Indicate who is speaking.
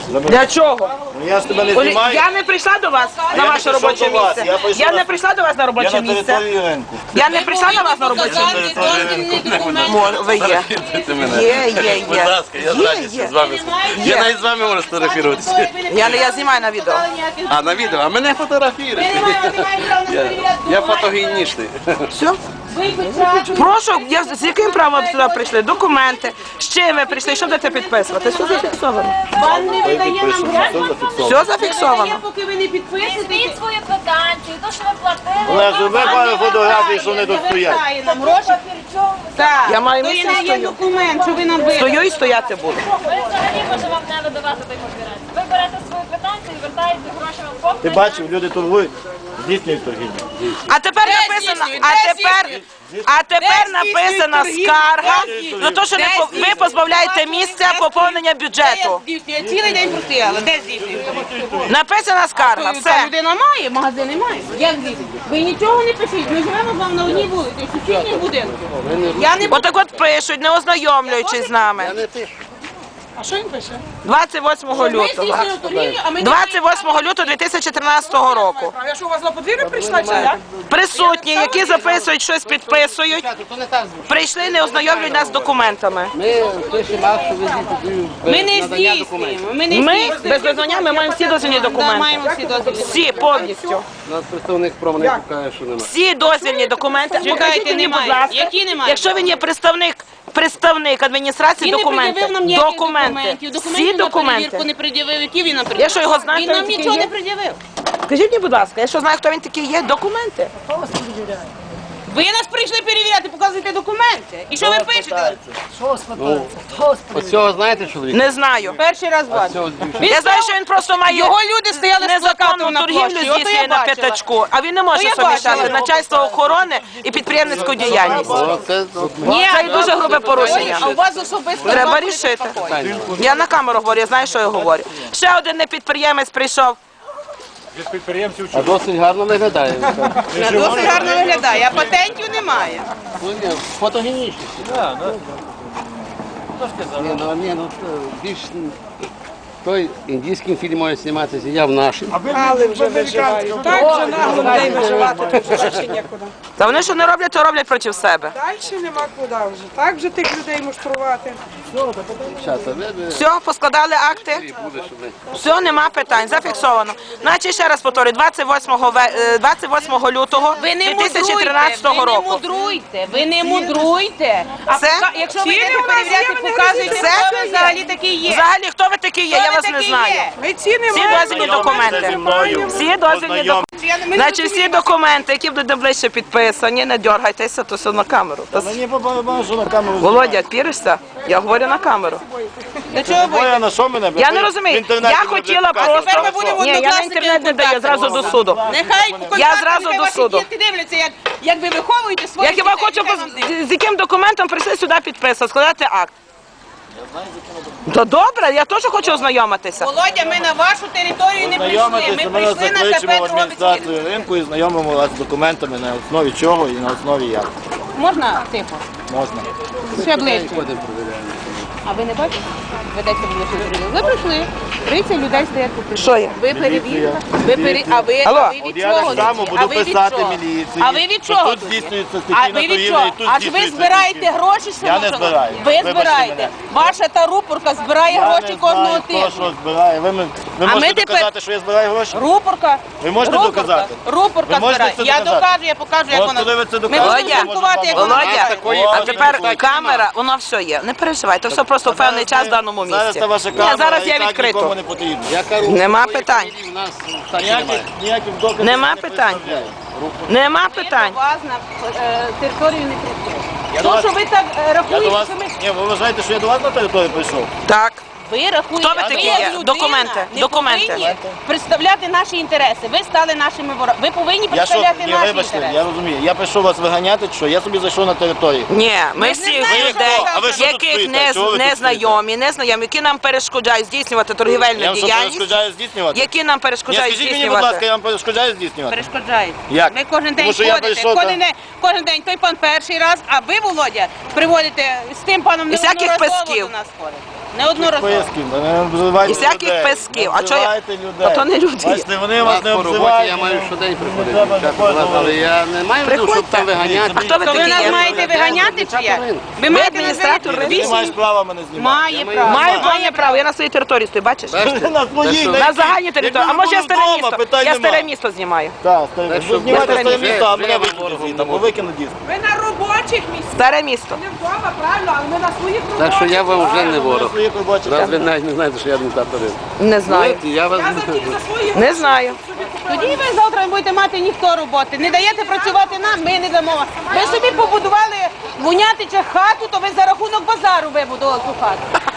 Speaker 1: Для чого?
Speaker 2: Я ж тебе не знімаю.
Speaker 1: Я не прийшла до вас на ваше робоче місце. Я не прийшла до вас на робоче місце. Я не прийшла до вас на робоче місце. Ви є. Є.
Speaker 3: Будь ласка, я з радістю з вами. Я навіть з вами можу сфотографуватися.
Speaker 1: Я знімаю на відео.
Speaker 3: А на відео? А мене фотографують. Я фотогенічний.
Speaker 1: Все? Прошу, з яким правом ви сюди прийшли? Документи. З чим ви прийшли? Що будете підписувати? Все зафіксовано.
Speaker 4: Пан не видає нам гроші.
Speaker 1: Все зафіксовано.
Speaker 4: Поки ви не підписуєте.
Speaker 5: Візьміть свою квитанцію, то, що ви платили.
Speaker 2: Олег, зроби пару фотографій, що вони тут стоять.
Speaker 4: Нам гроші. Так.
Speaker 1: Я маю
Speaker 4: То
Speaker 1: місце,
Speaker 4: є
Speaker 1: стою.
Speaker 4: документ, що ви нам вирішили.
Speaker 1: Стою і стояти буду.
Speaker 5: Ви взагалі може вам не видавати той папірець. Ви берете свою квитанцію і вертаєте гроші вам повністю.
Speaker 2: Ти бачив, люди торгують, здійснюють торгівлю.
Speaker 1: А тепер написано, а тепер написана скарга за те, що ви позбавляєте місця поповнення бюджету.
Speaker 4: Цілий день простояли. Де здійснюєте?
Speaker 1: Написана скарга, все.
Speaker 4: Людина має, магазин не має. Як здійснюєте? Ви нічого не пишіть. Ми живемо з вами на одній вулиці, в сусідніх будинках. Я не буду.
Speaker 1: Отак от пишуть, не ознайомлюючись з нами.
Speaker 4: А що він пише?
Speaker 1: 28
Speaker 4: Ми
Speaker 1: лютого.
Speaker 4: здійснюємо торгівлю, а ми не
Speaker 1: 28 лютого 2013 року.
Speaker 4: Я що, у вас на подвір'я прийшла, чи як?
Speaker 1: Присутні, які записують, щось підписують, прийшли, не ознайомлюють нас з документами.
Speaker 3: Ми пишемо акт, що ви
Speaker 4: Ми не здійснюємо.
Speaker 1: Ми без визнання ми маємо всі дозвільні
Speaker 4: Да,
Speaker 1: документи.
Speaker 4: маємо всі дозвіли.
Speaker 1: Всі повністю.
Speaker 3: У нас представник промені каже, що немає.
Speaker 1: Всі дозвільні документи. Покажіть мені, будь
Speaker 4: немає.
Speaker 1: ласка,
Speaker 4: Які немає?
Speaker 1: якщо він є представник адміністрації,
Speaker 4: Він не пред'явив
Speaker 1: документи.
Speaker 4: нам ніяких
Speaker 1: Документи.
Speaker 4: документів.
Speaker 1: Всі
Speaker 4: Документів на перевірку
Speaker 1: документи.
Speaker 4: не пред'явив. Які він нам пред'явив?
Speaker 1: Я що, його знаю,
Speaker 4: Він
Speaker 1: хто
Speaker 4: нам
Speaker 1: він такий
Speaker 4: нічого
Speaker 1: є?
Speaker 4: не пред'явив.
Speaker 1: Скажіть мені, будь ласка, я що знаю, хто він такий є? Документи.
Speaker 4: Ви нас прийшли перевіряти, показуєте документи. І що ви пишете?
Speaker 3: Оцього знаєте чоловіка?
Speaker 1: Не знаю.
Speaker 4: Перший раз бачу.
Speaker 1: Я знаю, що він просто має
Speaker 4: Його люди стояли з
Speaker 1: незаконну
Speaker 4: плакатом на
Speaker 1: торгівлю
Speaker 4: площі. Ото
Speaker 1: здійснює
Speaker 4: я
Speaker 1: на
Speaker 4: бачила.
Speaker 1: п'ятачку, а він не може
Speaker 4: То я
Speaker 1: суміщати
Speaker 4: бачила.
Speaker 1: начальство охорони і підприємницьку діяльність.
Speaker 3: Це
Speaker 4: Ні,
Speaker 1: Це дуже грубе порушення.
Speaker 4: а у вас особисто
Speaker 1: Треба
Speaker 4: два
Speaker 1: рішити.
Speaker 4: покої.
Speaker 1: Я на камеру говорю, я знаю, що я говорю. Ще один непідприємець прийшов.
Speaker 3: а досить гарно виглядає.
Speaker 4: Досить гарно виглядає, а патентів немає.
Speaker 3: Фотогенічність. Ні, ну більш той індійським фільм може зніматися, я в нашій.
Speaker 6: Але вже виживають. Так же нагло людей виживати, тут вже ще нікуди.
Speaker 1: Та вони що не роблять, то роблять проти себе.
Speaker 6: Далі нема куди вже. Так же тих людей муштрувати.
Speaker 3: Дівчата, ви
Speaker 1: Все, поскладали акти.
Speaker 3: буде, щоб ви...
Speaker 1: Все, нема питань, зафіксовано. Значить, ще раз повторюю, 28 лютого
Speaker 4: Ви не
Speaker 1: 2013
Speaker 4: мудруйте,
Speaker 1: року.
Speaker 4: ви не мудруйте. А
Speaker 1: Все?
Speaker 4: якщо ви
Speaker 6: Ціни
Speaker 4: йдете
Speaker 6: у нас є,
Speaker 4: перевіряти,
Speaker 6: ви не
Speaker 4: показуйте,
Speaker 1: Все?
Speaker 4: хто ви взагалі такий є.
Speaker 1: Взагалі, хто ви такі є, я вас не знаю.
Speaker 6: Ми ціни
Speaker 1: Всі
Speaker 6: маємо.
Speaker 1: дозвільні документи. Всі дозвільні документи. Значить, всі документи, які будуть ближче підписані, не дергайтеся, то все на камеру.
Speaker 2: Мені по барабану, що на камеру.
Speaker 1: Володя, піришся? Я говорю на камеру.
Speaker 4: До чого ви?
Speaker 2: Боя, на що мене?
Speaker 1: Я не розумію. Я хотіла просто...
Speaker 4: Тепер ми будемо
Speaker 1: Ні, я на
Speaker 4: однокласники
Speaker 1: інтернет не даю, зразу до суду.
Speaker 4: Нехай
Speaker 1: Я зразу
Speaker 4: нехай
Speaker 1: до
Speaker 4: ваші
Speaker 1: суду.
Speaker 4: діти дивляться, як ви виховуєте своїх
Speaker 1: Я хіба
Speaker 4: дітей,
Speaker 1: хочу,
Speaker 4: нехай вам дивляться.
Speaker 1: з яким документом прийшли сюди підписати, складати акт. То добре, я теж хочу ознайомитися.
Speaker 4: Володя, ми на вашу територію не прийшли.
Speaker 2: Знайомитися,
Speaker 4: Ми
Speaker 2: ми
Speaker 4: прийшли на
Speaker 2: закличемо в
Speaker 4: КП Дрогобицький.
Speaker 2: адміністрацію ринку і знайомимо вас з документами, на основі чого і на основі як.
Speaker 4: Можна тихо?
Speaker 2: Можна.
Speaker 4: Ще ближче. А ви не бачите? Ведеться було. Ви прийшли. 30 людей стоять тут.
Speaker 1: Що є?
Speaker 4: Ви перевірка.
Speaker 1: Алло.
Speaker 4: А ви
Speaker 2: От
Speaker 4: від
Speaker 2: я
Speaker 4: чого?
Speaker 2: так само
Speaker 4: тут?
Speaker 2: буду
Speaker 4: А ви від
Speaker 2: писати
Speaker 4: чого?
Speaker 2: міліції.
Speaker 4: А ви від
Speaker 2: що
Speaker 4: чого?
Speaker 2: Тут
Speaker 4: тут?
Speaker 2: здійснюється
Speaker 4: А
Speaker 2: стихійна
Speaker 4: ви від
Speaker 2: торгівля
Speaker 4: чого?
Speaker 2: і тут
Speaker 4: Аж ви
Speaker 2: здійснюється
Speaker 4: збираєте
Speaker 2: стихійна.
Speaker 4: гроші?
Speaker 2: Я не
Speaker 4: шановні?
Speaker 2: збираю.
Speaker 4: Ви
Speaker 2: Вибачте
Speaker 4: збираєте.
Speaker 2: мене.
Speaker 4: Ваша та рупорка збирає
Speaker 2: Я
Speaker 4: гроші
Speaker 2: не
Speaker 4: кожного
Speaker 2: знаю, хто
Speaker 4: тижня.
Speaker 2: що збирає. Ви
Speaker 4: А ми
Speaker 2: можете
Speaker 4: тепер-
Speaker 2: доказати, що я збираю гроші?
Speaker 4: Рупорка.
Speaker 2: Ви можете
Speaker 4: Рупорка.
Speaker 2: доказати?
Speaker 4: Рупорка
Speaker 2: Ви можете
Speaker 4: збирає.
Speaker 2: це
Speaker 4: Я
Speaker 2: доказати?
Speaker 4: докажу, я покажу, як
Speaker 2: От
Speaker 4: вона.
Speaker 2: коли ви це
Speaker 4: Ми
Speaker 2: докажете,
Speaker 4: будемо
Speaker 2: я можу
Speaker 4: слідкувати, як
Speaker 2: вам
Speaker 4: вона
Speaker 1: Володя,
Speaker 4: збирає.
Speaker 1: а тепер камера, воно все є. Не переживайте, все просто в певний час в даному
Speaker 2: Зараз
Speaker 1: місці.
Speaker 2: це ваша
Speaker 1: Ні,
Speaker 2: камера,
Speaker 1: зараз
Speaker 2: і
Speaker 1: я
Speaker 2: так
Speaker 1: відкрито.
Speaker 2: нікому не потрібно.
Speaker 3: Я кажу,
Speaker 1: Нема
Speaker 3: такої
Speaker 1: питань.
Speaker 3: фамілії в нас в штаті немає.
Speaker 2: Ніяких доказів
Speaker 1: Нема
Speaker 2: не
Speaker 1: питань.
Speaker 2: представляю.
Speaker 1: Нема
Speaker 4: Ми
Speaker 1: питань.
Speaker 4: до вас на територію не прийшли.
Speaker 2: Я до
Speaker 4: То,
Speaker 2: вас-
Speaker 4: що ви так
Speaker 2: Я до
Speaker 4: рахуєте,
Speaker 2: вас...
Speaker 4: що ми...
Speaker 2: Ні, ви вважаєте, що я до вас на територію прийшов?
Speaker 1: Так.
Speaker 4: Ви рахуєте,
Speaker 1: Хто ви такі
Speaker 4: як
Speaker 1: є?
Speaker 4: людина
Speaker 1: Документи,
Speaker 4: не
Speaker 1: документи.
Speaker 4: повинні представляти наші інтереси. Ви стали нашими ворогами. Ви повинні
Speaker 2: Я що,
Speaker 4: представляти
Speaker 2: ні,
Speaker 4: наші
Speaker 2: вибачте,
Speaker 4: інтереси.
Speaker 2: я розумію. Я прийшов вас виганяти, що я собі зайшов на територію.
Speaker 1: Ні, ми
Speaker 4: не
Speaker 1: всіх
Speaker 4: знаємо,
Speaker 1: людей,
Speaker 4: що ви А ви
Speaker 2: що тут
Speaker 1: яких
Speaker 2: стоїте? Чого ви тут
Speaker 1: незнайомі, які нам перешкоджають здійснювати торгівельну
Speaker 2: Я вам що
Speaker 1: діяльність,
Speaker 2: перешкоджаю здійснювати?
Speaker 1: які нам
Speaker 2: Ні,
Speaker 1: перешкоджають
Speaker 2: скажіть мені, будь ласка,
Speaker 1: здійснювати.
Speaker 2: я вам перешкоджаю здійснювати?
Speaker 4: Перешкоджають.
Speaker 2: Як?
Speaker 4: Ви кожен день
Speaker 2: Тому що я
Speaker 4: ходите,
Speaker 2: прийшов,
Speaker 4: кожен день той пан перший раз, а ви, Володя, приводите з тим паном
Speaker 1: І всяких
Speaker 4: неодноразово
Speaker 1: песків.
Speaker 4: до нас ходите. Неодноразово.
Speaker 2: Писків, не обзивайте
Speaker 1: І всяких
Speaker 2: людей.
Speaker 1: писків.
Speaker 2: Не
Speaker 1: А чого я-
Speaker 2: обзивайте людей.
Speaker 1: А то не люди.
Speaker 2: Бачите, вони вас не
Speaker 3: По роботі
Speaker 2: обзивають.
Speaker 3: я маю щодень приходити,
Speaker 2: треба
Speaker 3: дівчата,
Speaker 2: такого
Speaker 3: але
Speaker 2: говорити.
Speaker 3: я не маю в виду, щоб там виганяти.
Speaker 1: А хто ви
Speaker 4: То ви
Speaker 1: такі
Speaker 4: нас
Speaker 1: є?
Speaker 4: маєте виганяти чи як? Ви маєте
Speaker 1: адміністратор
Speaker 4: нас
Speaker 2: Ти не маєш права мене знімати.
Speaker 4: Має право.
Speaker 1: Маю повне право, я на своїй території стою, бачиш?
Speaker 2: Ти на своїй,
Speaker 1: На загальній території. А може я старе
Speaker 2: вдома,
Speaker 1: місто?
Speaker 2: питань
Speaker 1: Я
Speaker 2: нема.
Speaker 1: старе місто знімаю.
Speaker 2: Так, старе.
Speaker 3: Так що
Speaker 2: Ви знімайте
Speaker 1: старе
Speaker 2: старе
Speaker 1: місто.
Speaker 2: місто, а
Speaker 3: Вже
Speaker 2: мене
Speaker 3: я
Speaker 2: викинуть
Speaker 3: ворогом
Speaker 2: звідти, або
Speaker 3: можу.
Speaker 2: викинуть диск.
Speaker 6: Ви на робочих місцях.
Speaker 1: Старе місто.
Speaker 6: Не вдома, правильно, але ми на своїх робочих.
Speaker 3: Так що я вам вже не ворог.
Speaker 2: Своїх робочих.
Speaker 3: Раз ви навіть не знаєте, що я адміністратор ринку.
Speaker 1: Не знаю.
Speaker 3: Я вас
Speaker 6: Я за свої
Speaker 1: Не знаю.
Speaker 4: Тоді ви завтра не будете мати ніхто роботи. Не даєте працювати нам, ми не дамо. Ви собі побудували вонятича хату, то ви за рахунок базару вибудували ту хату.